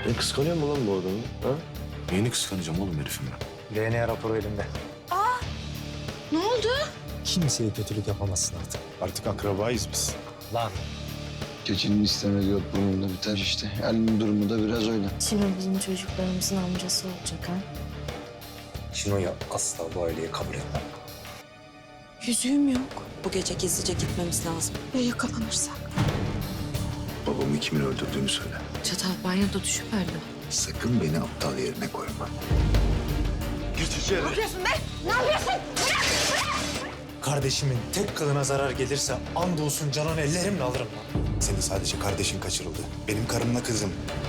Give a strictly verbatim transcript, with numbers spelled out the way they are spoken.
Sen kıskanıyor musun lan bu adamı? Ha? Neyini kıskanacağım oğlum herifim ben? D N A raporu elimde. Ne oldu? Kimseye kötülük yapamazsın artık. Artık akrabayız biz. Lan. Keçinin istemediği ot burnunda biter işte. Elinin durumu da biraz öyle. Şimdi bizim çocuklarımızın amcası olacak ha? Şino'yu asla bu aileye kabul etmem. Yüzüğüm yok. Bu gece gizlice gitmemiz lazım. Ya yakalanırsak? Babamı kimin öldürdüğünü söyle. Çatal banyoda düşüverdi. Sakın beni aptal yerine koyma. Kardeşimin tek kılına zarar gelirse andolsun Canan ellerimle alırım lan. Senin sadece kardeşin kaçırıldı. Benim karımla kızım.